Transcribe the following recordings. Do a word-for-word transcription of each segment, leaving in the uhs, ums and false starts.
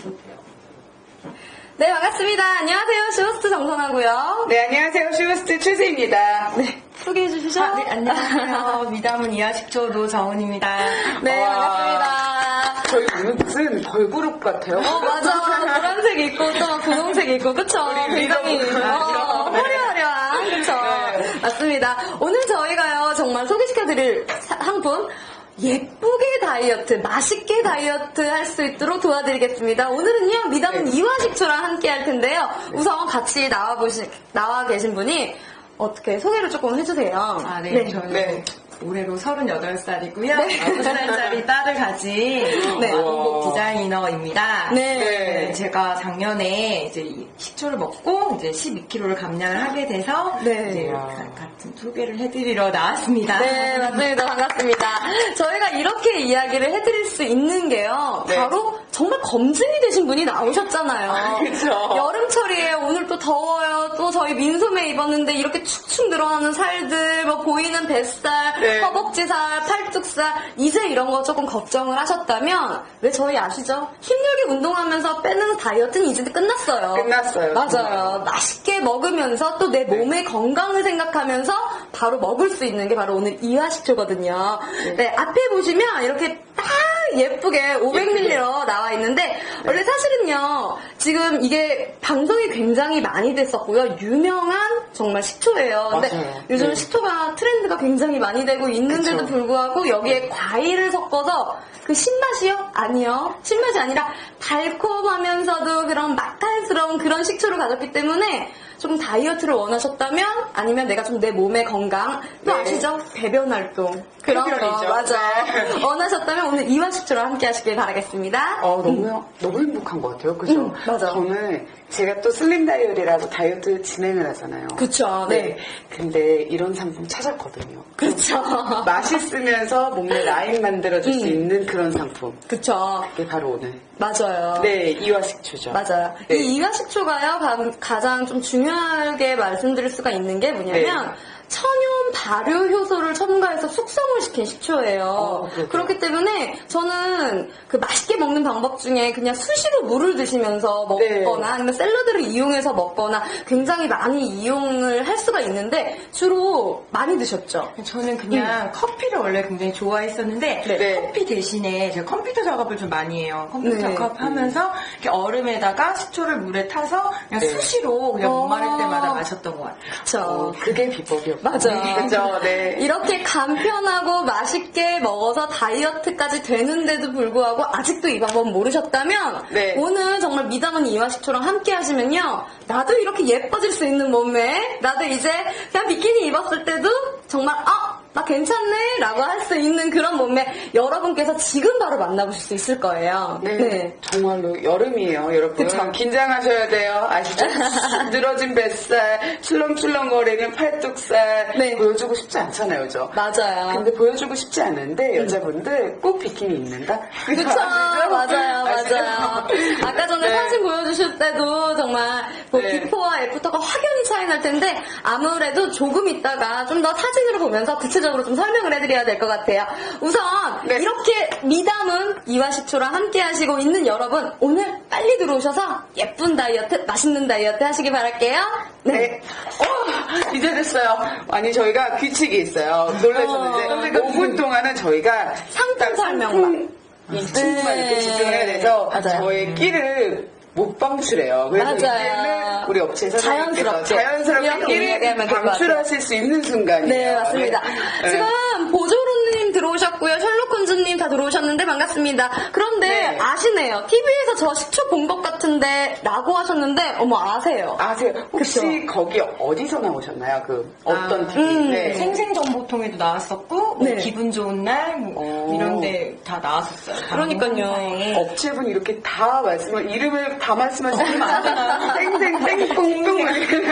네, 반갑습니다. 안녕하세요. 슈호스트 정선하고요. 네, 안녕하세요. 슈호스트 최세입니다. 네, 소개해 주시죠. 아, 네, 안녕하세요. 미담은 이하식초 노정은입니다. 네, 와. 반갑습니다. 저희 무슨 걸그룹 같아요. 어, 맞아. 노란색 있고, 또 분홍색 있고, 그쵸? 우리 굉장히, 리더 분들. 어, 화려화려한, 그쵸? 네. 맞습니다. 오늘 저희가요, 정말 소개시켜드릴 상품, 예쁘게 다이어트, 맛있게 다이어트 할 수 있도록 도와드리겠습니다. 오늘은요, 미담은 네. 이화식초랑 함께 할 텐데요. 우선 같이 나와보시, 나와 계신 분이 어떻게 소개를 조금 해주세요. 아, 네. 네. 저는 네. 올해로 서른여덟 살이고요. 네. 아홉 살짜리 딸을 가진 네. 아동복 디자이너입니다. 네. 네, 제가 작년에 이제 이 식초를 먹고 이제 십이 킬로그램을 감량을 하게 돼서 네. 이제 가- 같은 소개를 해드리러 나왔습니다. 네, 맞습니다. 반갑습니다. 저희가 이렇게 이야기를 해드릴 수 있는 게요. 네. 바로 정말 검증이 되신 분이 나오셨잖아요. 아, 그쵸. 여름철이에요. 오늘 또 더워요. 또 저희 민소매 입었는데 이렇게 축축 늘어나는 살들, 뭐 보이는 뱃살, 네. 허벅지살, 팔뚝살, 이제 이런 거 조금 걱정을 하셨다면 왜 저희 아시죠? 힘들게 운동하면서 빼는 다이어트는 이제 끝났어요. 끝났어요. 맞아요. 정말. 맛있게 먹으면서 또 내 몸의 건강을 생각하면서 바로 먹을 수 있는 게 바로 오늘 이하식초거든요. 네, 앞에 보시면 이렇게 딱 예쁘게 오백 밀리리터로 나와 있는데 원래 사실은요 지금 이게 방송이 굉장히 많이 됐었고요 유명한 정말 식초예요. 근데 맞아요. 요즘 네. 식초가 트렌드가 굉장히 많이 되고 있는데도 그쵸. 불구하고 여기에 과일을 섞어서 그 신맛이요? 아니요. 신맛이 아니라 달콤하면서도 그런 맛깔스러운 그런 식초를 가졌기 때문에 좀 다이어트를 원하셨다면 아니면 내가 좀 내 몸의 건강 또 네. 아시죠? 배변 활동 그런 거 흡연이죠. 맞아 네. 원하셨다면 오늘 이화식초랑 함께 하시길 바라겠습니다. 어, 너무, 너무 행복한 것 같아요. 그죠? 음, 맞아. 저는 제가 또 슬림 다이어리라고 다이어트 진행을 하잖아요. 그쵸, 네. 근데 이런 상품 찾았거든요. 그쵸. 맛있으면서 몸에 라인 만들어줄 수 음. 있는 그런 상품. 그쵸. 그게 바로 오늘. 맞아요. 네, 이화식초죠. 맞아요. 네. 이 이화식초가요, 가- 가장 좀 중요하게 말씀드릴 수가 있는 게 뭐냐면, 네. 천연 발효 효소를 첨가해서 숙성을 시킨 식초예요. 어, 그렇구나. 그렇기 때문에 저는 그 맛있게 먹는 방법 중에 그냥 수시로 물을 드시면서 네. 먹거나 아니면 샐러드를 이용해서 먹거나 굉장히 많이 이용을 할 수가 있는데 주로 많이 드셨죠? 저는 그냥 커피를 원래 굉장히 좋아했었는데 네. 커피 대신에 제가 컴퓨터 작업을 좀 많이 해요. 컴퓨터 네. 작업하면서 이렇게 얼음에다가 식초를 물에 타서 그냥 네. 수시로 그냥 어. 목마를 때마다 마셨던 것 같아요. 그쵸. 어, 그게 비법이었고. 맞아요. 그죠, 네. 이렇게 간편하고 맛있게 먹어서 다이어트까지 되는데도 불구하고 아직도 이 방법 모르셨다면 네. 오늘 정말 미담은 이화식초랑 함께 하시면요 나도 이렇게 예뻐질 수 있는 몸매 나도 이제 그냥 비키니 입었을 때도 정말 아! 나 괜찮네 라고 할 수 있는 그런 몸매 여러분께서 지금 바로 만나보실 수 있을 거예요. 네, 정말로 여름이에요, 여러분. 그쵸. 긴장하셔야 돼요. 아시죠? 늘어진 뱃살, 출렁출렁거리는 팔뚝살 네. 보여주고 싶지 않잖아요, 그죠? 맞아요. 근데 보여주고 싶지 않은데 여자분들 꼭 비키니 입는다? 그쵸, 아시죠? 맞아요, 아시죠? 맞아요. 아까 전에 네. 사진 보여주실 때도 정말 뭐 네. 비포와 애프터가 확연히 차이 날 텐데 아무래도 조금 있다가 좀 더 사진으로 보면서 구체적으로 좀 설명을 해드려야 될 것 같아요. 우선 네. 이렇게 미담은 이화식초랑 함께 하시고 있는 여러분 오늘 빨리 들어오셔서 예쁜 다이어트, 맛있는 다이어트 하시기 바랄게요. 네. 어, 이제 됐어요. 아니, 저희가 규칙이 있어요. 놀라셨는데, 어. 오 분 동안은 저희가 상품 딱 설명만. 이 친구만 네. 이렇게 집중을 해야 돼서 맞아요. 저의 끼를 못 방출해요. 그래서 맞아요. 이제는 우리 업체 사장님께서 자연스럽게. 자연스럽게 이렇게 끼를 얘기하면 될것 같아요. 방출하실 수 있는 순간이에요. 네, 맞습니다. 네. 지금 보조로님 들어오셨고요. 셜록혼즈님 다 들어오셨는데 반갑습니다. 그런데 네. 아시네요. 티비에서 저 식초 본 것 같은데 라고 하셨는데 어머 아세요. 아세요? 혹시 그쵸? 거기 어디서 나오셨나요? 그 어떤 아, 티비? 음, 네. 생생정보통에도 나왔었고 뭐 네. 기분 좋은 날 뭐 오. 이런데 다 나왔었어요. 그러니까요. 방송사에. 업체분 이렇게 다 말씀을 이름을 다 말씀하시면 안 되나? 땡땡 땡꽁꽁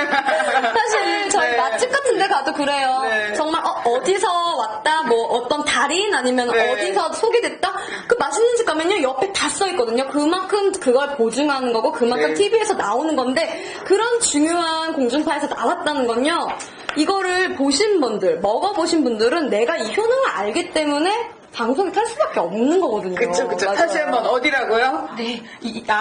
사실 저희 네. 맛집 같은 데 가도 그래요. 네. 정말 어, 디서 왔다 뭐 어떤 달인 아니면 네. 어디서 소개됐다 그 맛있는 집 가면요 옆에 다 써있거든요. 그만큼 그걸 보증하는 거고 그만큼 네. 티비에서 나오는 건데 그런 중요한 공중파에서 나왔다는 건요. 이거를 보신 분들 먹어보신 분들은 내가 이 효능을 알기 때문에 방송에 탈 수밖에 없는 거거든요. 그쵸 그쵸. 맞아요. 다시 한번 어디라고요? 네, 이, 이, 아,